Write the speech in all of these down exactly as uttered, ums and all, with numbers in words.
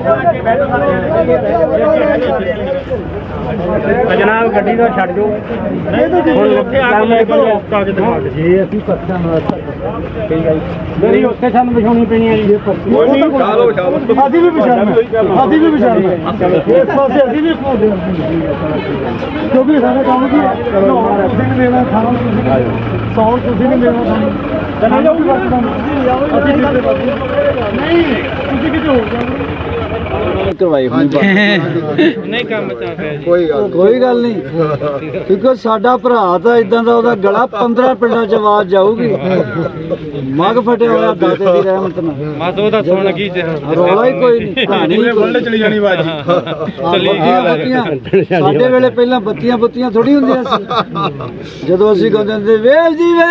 जनाब गड्डी तो छड़ दो जे असीं पत्थर नहीं उत्थे सानूं विछाउणी पैनी है जी असीं भी विछाउणा असीं भी विछाउणा इस पासे असीं भी घूमदे क्योंकि साडा काम की तुसीं नहीं देना खाना सौण तुसीं नहीं देना सानूं चले जाओ भी वक्त असीं नहीं तुसीं किते हो जाओ करवाई नहीं काम कोई गल कोई गल नहीं क्योंकि साडा भरा तो इदां दा ओहदा गला पंद्रह पिंडां च आवाज जाऊगी मग फटे होया दाते दी रहमत नाल बस ओहदा सुन की रौला ही कोई नहीं कहानी बोलने चली जानी बाजी चली बत्तियां साडे वेले पहला बत्तियां बत्तियां थोड़ी हुंदियां सी जदों असीं गांदे हुंदे वेल जी वे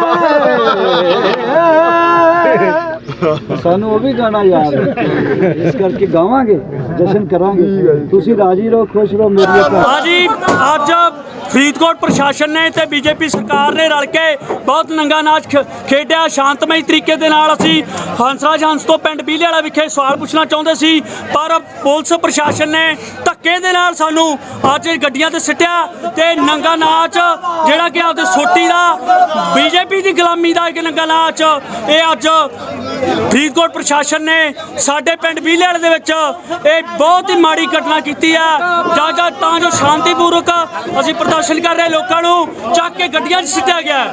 सानू वो भी गाना याद है इस करके गावांगे जश्न करांगे तुसी राजी रहो खुश रहो मेरी हाँ जी अज फरीदकोट प्रशासन ने ते बीजेपी सरकार ने रल के बहुत नंगा नाच खेडिया शांतमई तरीके दे नाल असीं हंसराज हंस तो पिंड बीले वाला विखे सवाल पुछना चाहुंदे सी पर पुलिस प्रशासन ने धक्के दे नाल सानू अज गड्डियां ते सिट्टिया ते नंगा नाच जिहड़ा कि आपदे सोटी दा बीजेपी दी गुलामी दा इक नंगा नाच ये अज फरीदकोट प्रशासन ने साडे पिंड बीले वाले दे विच ਇਹ बहुत ही माड़ी घटना की है जा जा तां जो शांतिपूर्वक असीं प्रदर्शन कर रहे लोगों को चक के गड्डियां सिटिया गया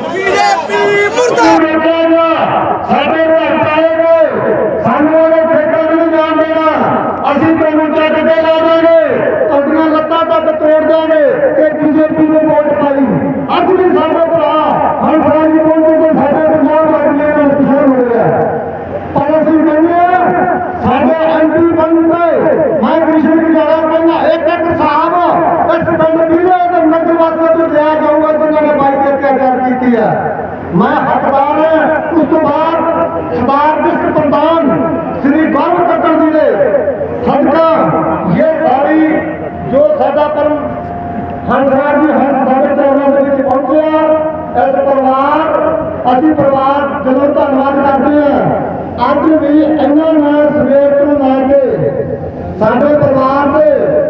तोड़ देंगे बीजेपी ने वोट पाई अज भी साडे भरा हंसराज जी बोलते कि साडे पंजाब वाले किसान हो रहा है पर असीं कहने साडे एमपी बनते मैं कृष्ण की जगह कहना एक एक साहब इस पिंड बीले के नगर वासियों को लिया जाऊगा जिन्होंने बाई के अत्याचार की है मैं हकदार है उस तो बाद सरदार विश्व प्रधान श्री गौरव कट्टर जी ने सदका ये सारी जो साडा कर्म हंसराज जी हंस साडे चरणों के विच पहुंचे इस परिवार असीं परिवार जदों धन्नवाद करते हैं अज भी इन्हों ने सवेर तो लैके साडे परिवार ने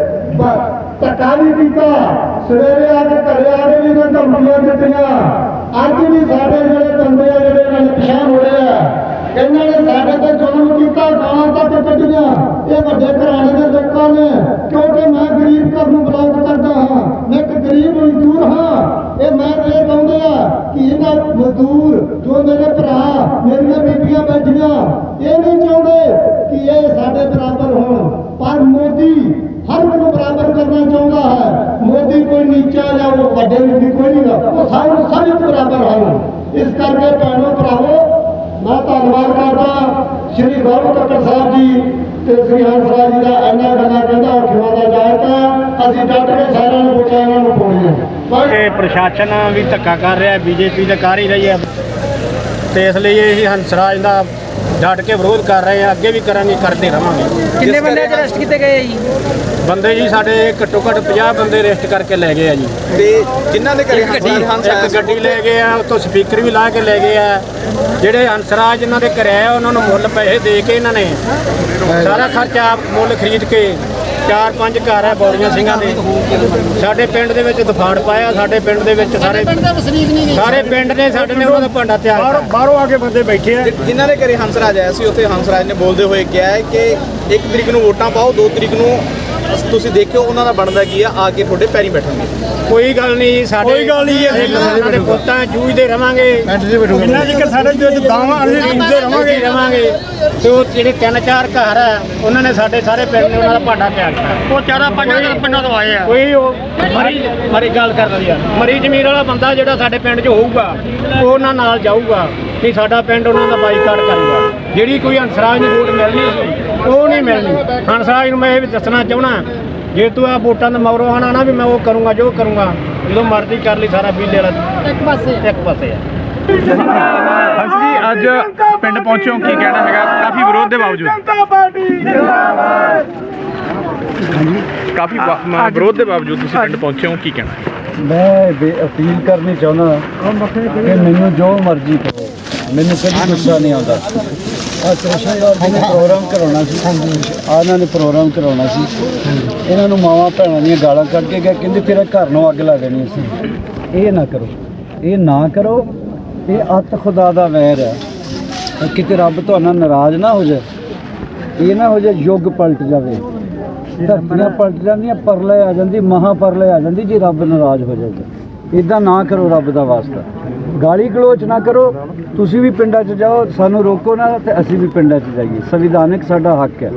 धक्का नहीं किया सवेरे आके घरे आके भी इन्होंने धमकियां दित्तियां अज भी साडे जिहड़े बंदे आ जिहड़े परेशान हो रहे हैं इन्होंने साडे ते जुल्म किया गालां तक कड्ढियां ये वड्डे घराने के लोगों ने क्योंकि मैं गरीब घर नूं बिलोंग करदा हाँ मैं एक गरीब मजदूर हाँ ये मैं ये चाहुंदे आ कि इन्हां मजदूर जो मेरे भरा मेरियां बीबियां बैठियां ये नहीं चाहुंदे कि ये साडे बराबर होण पर मोदी हर को बराबर करना चाहता है मोदी कोई नीचा या वो वड्डे भी कोई नहीं वो सारे सारे बराबर हैं इस करके भैनों भरावो मैं धन्यवाद करता श्री गौरव कट्टर साहब जी ते श्री हंसराज जी का इन्ना गला कहता खिवादा जाएगा असीं डट के सारे बच्चों इन्होंने पाने प्रशासन भी धक्का कर रहा है बीजेपी तो कर ही रही है तो इसलिए हंसराज का डट के विरोध कर रहे हैं अगे भी करांगे करते रहेंगे कितने बंदे अरेस्ट किए गए जी बंदे जी साढ़े घट्टो घट्ट पचास बंदे अरेस्ट करके लै गए जी जिन्हों ने गड्डी ले गए उतो स्पीकर भी ला के ले गए ਜਿਹੜੇ हंसराज इन्हों के घर है उन्होंने मुल पैसे दे के इन्होंने सारा खर्चा मुल खरीद के चार पांच घर है बौड़िया सिंह के साढ़े पिंड दे विच तूफान पाया साढ़े पिंड दे विच सारे सारे पिंड ने साढ़े ने उन्होंने भांडा तैयार बाहरों आके बंदे बैठे हैं जिन्हों ने घरे हंसराज आया सी उत्थे हंसराज ने बोलते हुए कहा है कि एक तरीक नूं वोटां पाओ दो तरीक नूं तुसीं देखिओ उन्हां दा बनदा की आ आके तुहाडे पैरीं बैठणगे कोई गल नहीं साडे कोई गल नहीं साडे पुत्तां जूझदे रहांगे इन्ना जिकर साडे जो दावां असीं जूझदे रहांगे रहांगे ते ओह जिहड़े तीन चार घर है उन्होंने साडे सारे पिंड ने उन्हां दा भांडा तैयार किया ਉਹ ਚਾਰਾਂ ਪੰਜਾਂ ਦੇ ਪਿੰਡਾਂ ਤੋਂ ਆਏ ਆ ਕੋਈ ਉਹ ਮਰੀ ਮਰੀ ਗੱਲ ਕਰ ਰਹੀ ਆ ਮਰੀ ਜ਼ਮੀਰ ਵਾਲਾ ਬੰਦਾ ਜਿਹੜਾ ਸਾਡੇ ਪਿੰਡ 'ਚ ਹੋਊਗਾ ਉਹ ਉਹਨਾਂ ਨਾਲ ਜਾਊਗਾ ਕਿ ਸਾਡਾ ਪਿੰਡ ਉਹਨਾਂ ਦਾ ਬਾਈਕਾਟ ਕਰੂਗਾ ਜਿਹੜੀ ਕੋਈ ਹੰਸਰਾਜ ਨੂੰ ਵੋਟ ਮਿਲਣੀ ਸੀ ਉਹ ਨਹੀਂ ਮਿਲਣੀ ਹੰਸਰਾਜ ਨੂੰ ਮੈਂ ਇਹ ਵੀ ਦੱਸਣਾ ਚਾਹੁੰਦਾ ਜੇ ਤੂੰ ਆ ਵੋਟਾਂ ਦਾ ਮਗਰੋਂ ਆਣਾ ਨਾ ਵੀ ਮੈਂ ਉਹ ਕਰੂੰਗਾ ਜੋ ਕਰੂੰਗਾ ਜਦੋਂ ਮਰਜ਼ੀ ਕਰ ਲਈ ਸਾਰਾ ਬੀਲੇ ਵਾਲਾ ਇੱਕ ਪਾਸੇ ਇੱਕ ਪਾਸੇ ਆ हंस जी अज पिंड पहुंचे हो की कहना है काफी विरोध के बावजूद काफी विरोध के बावजूद पिंड पहुंचे हो की कहना है मैं अपील करनी चाहना कि मैनू जो मर्जी करो मैनू कभी गुस्सा नहीं आता ਆ ਕ੍ਰਿਸ਼ਨ ਨੇ ਪ੍ਰੋਗਰਾਮ ਕਰਾਉਣਾ ਸੀ ਆ ਇਹਨਾਂ ਨੇ ਪ੍ਰੋਗਰਾਮ ਕਰਾਉਣਾ ਸੀ ਇਹਨਾਂ ਨੂੰ ਮਾਵਾਂ ਭੈਣਾਂ ਦੀਆਂ ਗਾਲਾਂ ਕੱਢ ਕੇ ਗਏ ਕਹਿੰਦੇ ਤੇਰਾ ਘਰ ਨੂੰ ਅੱਗ ਲਾ ਦੇਣੀ ਸੀ। ਇਹ ਨਾ ਕਰੋ, ਇਹ ਨਾ ਕਰੋ, ਇਹ ਅੱਤ ਖੁਦਾ ਦਾ ਵੈਰ ਹੈ। ਕਿਤੇ ਰੱਬ ਤੁਹਾਡੇ ਨਾਲ ਨਾਰਾਜ਼ ਨਾ ਹੋ ਜਾਏ, ਇਹ ਨਾ ਹੋ ਜਾਏ ਯੁੱਗ ਪਲਟ ਜਾਵੇ, ਧਰਤੀਆਂ ਪਲਟ ਜਾਂਦੀਆਂ, ਪਰਲੇ ਆ ਜਾਂਦੀ, ਮਹਾ ਪਰਲੇ ਆ ਜਾਂਦੀ ਜੇ ਰੱਬ ਨਾਰਾਜ਼ ਹੋ ਜਾਏ। ਇੱਦਾਂ ਨਾ ਕਰੋ, ਰੱਬ ਦਾ ਵਾਸਤਾ ਗਾਲੀ ਗਲੋਚ ਨਾ ਕਰੋ। ਤੁਸੀਂ ਵੀ ਪਿੰਡਾਂ 'ਚ ਜਾਓ, ਸਾਨੂੰ ਰੋਕੋ ਨਾ ਤੇ ਅਸੀਂ ਵੀ ਪਿੰਡਾਂ 'ਚ ਜਾਈਏ, ਸੰਵਿਧਾਨਿਕ ਸਾਡਾ ਹੱਕ ਹੈ।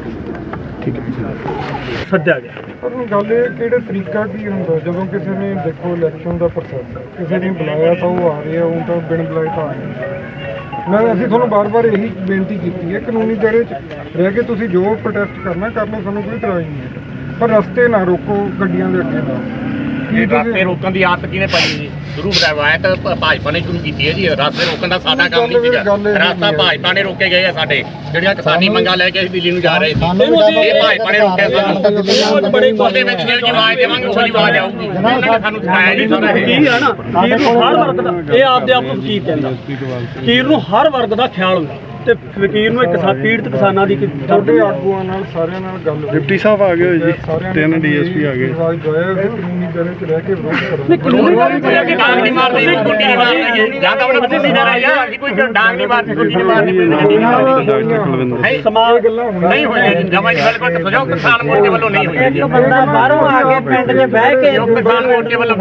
ਸੱਦਿਆ ਗਿਆ ਪਰ ਗੱਲ ਇਹ ਕਿਹੜੇ ਤਰੀਕਾ ਕੀ ਹੁੰਦਾ ਜਦੋਂ ਕਿਸੇ ਨੇ ਦੇਖੋ ਇਲੈਕਸ਼ਨ ਦਾ ਪ੍ਰੋਸੈਸ ਕਿਸੇ ਨੇ ਬੁਲਾਇਆ ਤਾਂ ਉਹ ਆ ਰਿਹਾ, ਉਹ ਤਾਂ ਬਿਨ ਬੁਲਾਏ ਤਾਂ ਆ ਰਿਹਾ। ਮੈਂ ਅਸੀਂ ਤੁਹਾਨੂੰ ਬਾਰ-ਬਾਰ ਇਹੀ ਬੇਨਤੀ ਕੀਤੀ ਹੈ, ਕਾਨੂੰਨੀ ਦਾਇਰੇ 'ਚ ਰਹਿ ਕੇ ਤੁਸੀਂ ਜੋ ਪ੍ਰੋਟੈਸਟ ਕਰਨਾ ਕਰ ਲਓ, ਸਾਨੂੰ ਕੋਈ ਇਤਰਾਜ਼ ਨਹੀਂ ਹੈ, ਪਰ ਰਸਤੇ ਨਾ ਰੋਕੋ ਗੱਡੀਆਂ ਦੇ ਅੱਗੇ ਦਾ। ਇਹ ਰਸਤੇ ਰੋਕਣ ਦੀ ਆਦਤ ਕਿਹਨੇ ਪਾਈ ਜੀ? ਸ਼ੁਰੂ ਰਵਾਇਤ ਭਾਜਪਾ ਨੇ ਸ਼ੁਰੂ ਕੀਤੀ ਹੈ ਜੀ। ਰਸਤੇ ਰੋਕਣ ਦਾ ਸਾਡਾ ਕੰਮ ਨਹੀਂ ਸੀਗਾ, ਰਸਤਾ ਭਾਜਪਾ ਨੇ ਰੋਕੇ ਗਏ ਆ ਸਾਡੇ ਜਿਹੜੀਆਂ ਕਿਸਾਨੀ ਮੰਗਾਂ ਲੈ ਕੇ ਅਸੀਂ ਦਿੱਲੀ ਨੂੰ ਜਾ ਰਹੇ ਸੀ, ਇਹ ਭਾਜਪਾ ਨੇ ਰੋਕਿਆ ਸਾਨੂੰ। ਬੜੇ ਉਹਦੇ ਵਿੱਚ ਜਿਹੜੀ ਆਵਾਜ਼ ਦੇਵਾਂਗੇ ਉਹਦੀ ਆਵਾਜ਼ ਆਊਗੀ। ਉਹਨਾਂ ਨੇ ਸਾਨੂੰ ਸਿਖਾਇਆ ਜੀ ਸਾਰਾ ਇਹ। ਕੀ ਹੈ ਨਾ, ਖੀਰ ਨੂੰ ਹਰ ਵਰਗ ਦਾ, ਇਹ ਆਪਦੇ ਆਪ ਨੂੰ ਫਕੀਰ ਕਹਿੰਦਾ, ਖੀਰ ਨੂੰ ਹਰ ਵਰਗ ਦਾ ਖਿਆਲ ਹੁੰਦਾ ਤੇ ਫਕੀਰ ਨੂੰ ਇੱਕ ਕਿਸਾਨ ਪੀੜਤ ਕਿਸਾਨਾਂ ਦੀ ਤੁਹਾਡੇ ਆਗੂਆਂ ਨਾਲ ਸਾਰਿਆਂ ਨਾਲ ਗੱਲ ਹੋਈ, ਡਿਪਟੀ ਸਾਹਿਬ ਆ ਗਏ ਹੋਏ ਜੀ, ਤਿੰਨ ਡੀਐਸਪੀ ਆ ਗਏ। ਆਵਾਜ਼ ਦਵਾਇਆ ਕਿ ਕਾਨੂੰਨੀ ਦਾਇਰੇ 'ਚ ਰਹਿ ਕੇ ਵਿਰੋਧ ਕਰੋ। ਕਾਨੂੰਨੀ ਦਾਇਰੇ 'ਚ ਡਾਂਗ ਨਹੀਂ ਮਾਰਦੇ, ਕੁੱਟੀ ਨਹੀਂ ਮਾਰਦੇ, ਜਾਂ ਤਾਂ ਉਹਨਾਂ ਬੱਚੇ ਨਹੀਂ ਡਰਾ ਯਾਰ ਅਸੀਂ ਕੋਈ ਡਾਂਗ ਨਹੀਂ ਮਾਰਦੇ, ਕੁੱਟੀ ਨਹੀਂ ਮਾਰਦੇ, ਡਾਕਟਰ ਕੁਲਵਿੰਦਰ ਹੈ ਸਮਾਜ ਨਹੀਂ ਹੋਇਆ ਜੀ। ਜਮਾਂ ਜੀ ਬਿਲਕੁਲ ਸਜਾਓ ਕਿਸਾਨ ਮੋਰਚੇ ਵੱਲੋਂ ਨਹੀਂ ਹੋਇਆ ਜੀ। ਬੰਦਾ ਬਾਹਰੋਂ ਆ ਕੇ ਪਿੰਡ 'ਚ ਬਹਿ ਕੇ ਕਿਸਾਨ ਮੋਰਚੇ ਵੱਲੋਂ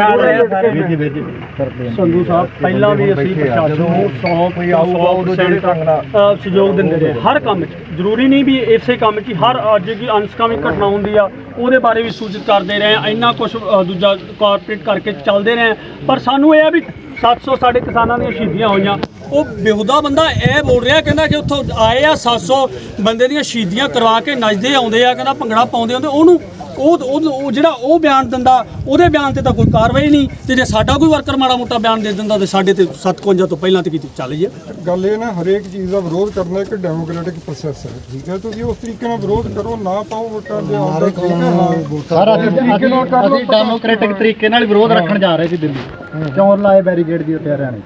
ਸੰਧੂ ਸਾਹਿਬ ਪਹਿਲਾਂ ਵੀ ਅਸੀਂ ਪ੍ਰਸ਼ਾਸਨ ਨੂੰ ਸੌ ਪਰਸੈਂਟ ਸਹਿਯੋਗ ਦਿੰਦੇ ਰਹੇ ਹਰ ਕੰਮ 'ਚ। ਜ਼ਰੂਰੀ ਨਹੀਂ ਵੀ ਇਸੇ ਕੰਮ 'ਚ ਹੀ, ਹਰ ਅੱਜ ਕੀ ਅਨਸਕਾਮੀ ਘਟਨਾ ਹੁੰਦੀ ਆ ਉਹਦੇ ਬਾਰੇ ਵੀ ਸੂਚਿਤ ਕਰਦੇ ਰਹੇ, ਇੰਨਾ ਕੁਝ ਦੂਜਾ ਕਾਰਪੋਰੇਟ ਕਰਕੇ ਚੱਲਦੇ ਰਹੇ। ਪਰ ਸਾਨੂੰ ਇਹ ਆ ਵੀ ਸੱਤ ਸੌ ਸਾਡੇ ਕਿਸਾਨਾਂ ਦੀਆਂ ਸ਼ਹੀਦੀਆਂ ਹੋਈਆਂ। ਉਹ ਬੇਹੁਦਾ ਬੰਦਾ ਇਹ ਬੋਲ ਰਿਹਾ, ਕਹਿੰਦਾ ਕਿ ਉੱਥੋਂ ਆਏ ਆ ਸੱਤ ਸੌ ਬੰਦੇ ਦੀਆਂ ਸ਼ਹੀਦੀਆਂ ਕਰਵਾ ਕੇ ਨੱਚਦੇ ਆਉਂਦੇ ਆ, ਕਹਿੰਦਾ ਭੰਗੜਾ ਪਾਉਂਦੇ ਆਉਂਦੇ। ਉਹਨੂੰ ਉਹ ਉਹ ਜਿਹੜਾ ਉਹ ਬਿਆਨ ਦਿੰਦਾ, ਉਹਦੇ ਬਿਆਨ ਤੇ ਤਾਂ ਕੋਈ ਕਾਰਵਾਈ ਨਹੀਂ, ਤੇ ਜੇ ਸਾਡਾ ਕੋਈ ਵਰਕਰ ਮਾੜਾ ਮੋਟਾ ਬਿਆਨ ਦੇ ਦਿੰਦਾ ਤੇ ਸਾਡੇ ਤੇ ਸੱਤਵੰਜਾ ਤੋਂ ਪਹਿਲਾਂ ਤੇ ਕੀਤੀ ਚੱਲ ਜੀ। ਗੱਲ ਇਹ ਨਾ ਹਰੇਕ ਚੀਜ਼ ਦਾ ਵਿਰੋਧ ਕਰਨਾ ਇੱਕ ਡੈਮੋਕ੍ਰੈਟਿਕ ਪ੍ਰੋਸੈਸ ਹੈ, ਠੀਕ ਹੈ। ਤੁਸੀਂ ਉਸ ਤਰੀਕੇ ਨਾਲ ਵਿਰੋਧ ਕਰੋ, ਨਾ ਪਾਓ ਵੋਟਾਂ ਦੇ ਆਉਂਦਾ, ਠੀਕ ਹੈ। ਹਾਂ ਸਾਰਾ ਅਸੀਂ ਡੈਮੋਕ੍ਰੈਟਿਕ ਤਰੀਕੇ ਨਾਲ ਵਿਰੋਧ ਰੱਖਣ ਜਾ ਰਹੇ ਸੀ ਦਿੱਲੀ, ਚੋਰ ਲਾਏ ਬੈਰੀਕੇਡ ਦੀ ਉੱਤੇ ਹਰਿਆਣੇ।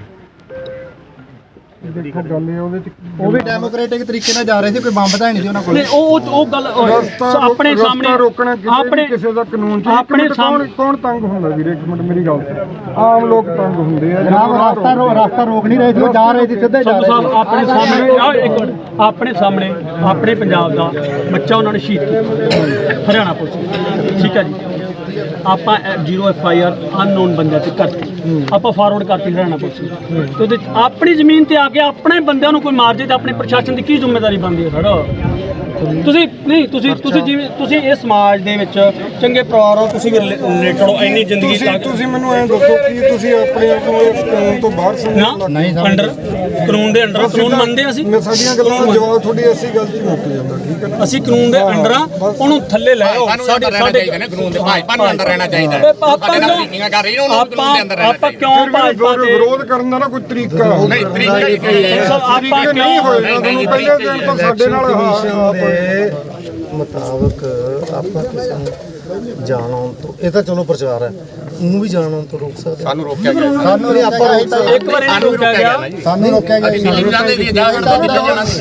ਦੇਖੋ ਗੱਲ ਇਹ ਉਹਦੇ 'ਚ ਉਹ ਵੀ ਡੈਮੋਕ੍ਰੈਟਿਕ ਤਰੀਕੇ ਨਾਲ ਜਾ ਰਹੇ ਸੀ, ਕੋਈ ਬੰਬ ਤਾਂ ਨਹੀਂ ਸੀ ਉਹਨਾਂ ਕੋਲ। ਨਹੀਂ, ਉਹ ਉਹ ਗੱਲ ਰਸਤਾ ਆਪਣੇ ਰਸਤਾ ਸਾਹਮਣੇ ਰੋਕਣਾ ਕਿਸੇ ਆਪਣੇ ਵੀ ਕਿਸੇ ਦਾ ਕਾਨੂੰਨ ਚ ਆਪਣੇ ਕੌਣ ਸਾਹਮਣੇ ਕੌਣ ਤੰਗ ਹੁੰਦਾ ਵੀਰੇ? ਇੱਕ ਮਿੰਟ ਮੇਰੀ ਗੱਲ ਸੁਣ, ਆਮ ਲੋਕ ਤੰਗ ਹੁੰਦੇ ਆ ਜਨਾਬ ਰਸਤਾ ਰੋ ਰਸਤਾ ਰੋਕ ਨਹੀਂ ਰਹੇ ਸੀ, ਉਹ ਜਾ ਰਹੇ ਸੀ, ਸਿੱਧੇ ਜਾ ਸੰਧੂ ਰਹੇ ਸਾਹਿਬ ਸੀ। ਆਪਣੇ ਸਾਹਮਣੇ ਆਹ ਇੱਕ ਮਿੰਟ, ਆਪਣੇ ਸਾਹਮਣੇ ਆਪਣੇ ਪੰਜਾਬ ਦਾ ਬੱਚਾ ਉਹਨਾਂ ਨੇ ਸ਼ਹੀਦ ਕੀਤਾ ਹਰਿਆਣਾ ਪੁਲਿਸ, ਠੀਕ ਹੈ ਜੀ। ਆਪਾਂ zero F I R unknown ਬੰਦਿਆਂ ਤੇ ਕਰਤੀ, ਆਪਾਂ ਫਾਰਵਰਡ ਕਰਤੀ ਹਰਿਆਣਾ ਪੁਲਿਸ ਨੂੰ, ਤੇ ਉਹਦੇ 'ਚ ਆਪਣੀ ਜ਼ਮੀਨ ਤੇ ਆ ਕੇ ਆਪਣੇ ਬੰਦਿਆਂ ਨੂੰ ਕੋਈ ਮਾਰ ਜੇ ਤਾਂ ਆਪਣੇ ਪ੍ਰਸ਼ਾਸਨ ਦੀ ਕੀ ਜ਼ਿੰਮੇਵਾਰੀ ਬਣਦੀ ਹੈ ਸਰ? ਤੁਸੀਂ ਨਹੀਂ ਤੁਸੀਂ ਤੁਸੀਂ ਜਿਵੇਂ ਤੁਸੀਂ ਇਸ ਸਮਾਜ ਦੇ ਵਿੱਚ ਚੰਗੇ ਪਰਿਵਾਰ ਹੋ, ਤੁਸੀਂ ਵੀ ਰਿਲੇਟਡ ਹੋ ਇੰਨੀ ਜ਼ਿੰਦਗੀ ਤੁਸੀਂ ਤੱਕ। ਤੁਸੀਂ ਮੈਨੂੰ ਐਂ ਦੱਸੋ ਕਿ ਤੁਸੀਂ ਆਪਣੇ ਆਪ ਨੂੰ ਇਸ ਕਾਨੂੰਨ ਤੋਂ ਬਾਹਰ ਸਮਝੋ? ਨਹੀਂ ਅੰਡਰ ਕਾਨੂੰਨ ਦੇ ਅੰਡਰ ਕਾਨੂੰਨ ਮੰਨਦੇ ਅਸੀਂ। ਮੈਂ ਸਾਡੀਆਂ ਗੱਲਾਂ ਦਾ ਜਵਾਬ ਤੁਹਾਡੀ ਐਸੀ ਗੱਲ 'ਚ ਮੁੱਕ ਜਾਂਦਾ, ਠੀਕ ਹੈ ਨਾ? ਅਸੀਂ ਕਾਨੂੰਨ ਦੇ ਅੰਡਰ ਆ, ਉਹਨੂੰ ਥੱਲੇ ਲੈ ਆਓ। ਸਾਡੇ ਸਾਡੇ ਕਾਨੂੰਨ ਦੇ ਭਾਜਪਾ ਨੂੰ ਅੰਦਰ ਰਹਿਣਾ ਚਾਹੀਦਾ ਹੈ। ਆਪਾਂ ਸਾਡੇ ਨਾਲ ਮੀਟਿੰਗਾਂ ਕਰ ਰਹੀ ਨੇ, ਉਹਨਾਂ ਨੂੰ ਕਾਨੂੰਨ ਦੇ ਅੰਦਰ ਰਹਿਣਾ ਆਪਾਂ ਚਾਹੀਦਾ। ਕਿਉਂ ਭਾਜਪਾ ਦੇ ਵਿਰੋਧ ਕਰਨ ਦਾ ਨਾ ਕੋਈ ਤਰੀਕਾ ਨਹੀਂ ਤਰੀਕਾ ਹੀ ਆਪਾਂ ਤਰੀਕੇ ਨਹੀਂ ਹੋਏਗਾ। ਤੁਹਾਨੂੰ ਪਹਿਲੇ ਦਿਨ ਤੋਂ ਸਾਡੇ ਨਾਲ ਹਾਂ ਮੁਤਾਬਕ ਆਪਾਂ ਕਿਸੇ ਨੂੰ ਜਾਣ ਆਉਣ ਤੋਂ, ਇਹ ਤਾਂ ਚਲੋ ਪ੍ਰਚਾਰ ਹੈ, ਉਹਨੂੰ ਵੀ ਜਾਣ ਆਉਣ ਤੋਂ ਰੋਕ ਸਕਦੇ। ਸਾਨੂੰ ਰੋਕਿਆ ਗਿਆ, ਸਾਨੂੰ ਨਹੀਂ ਆਪਾਂ ਰੋਕ ਸਕਦੇ, ਇੱਕ ਵਾਰ ਇਹਨੂੰ ਰੋਕਿਆ ਗਿਆ, ਸਾਨੂੰ ਰੋਕਿਆ ਗਿਆ। ਅਸੀਂ ਦਿੱਲੀ ਨੂੰ ਜਾਂਦੇ ਸੀ, ਜਾ ਕੇ ਦਿੱਲੀ ਜਾਣਾ ਸੀ।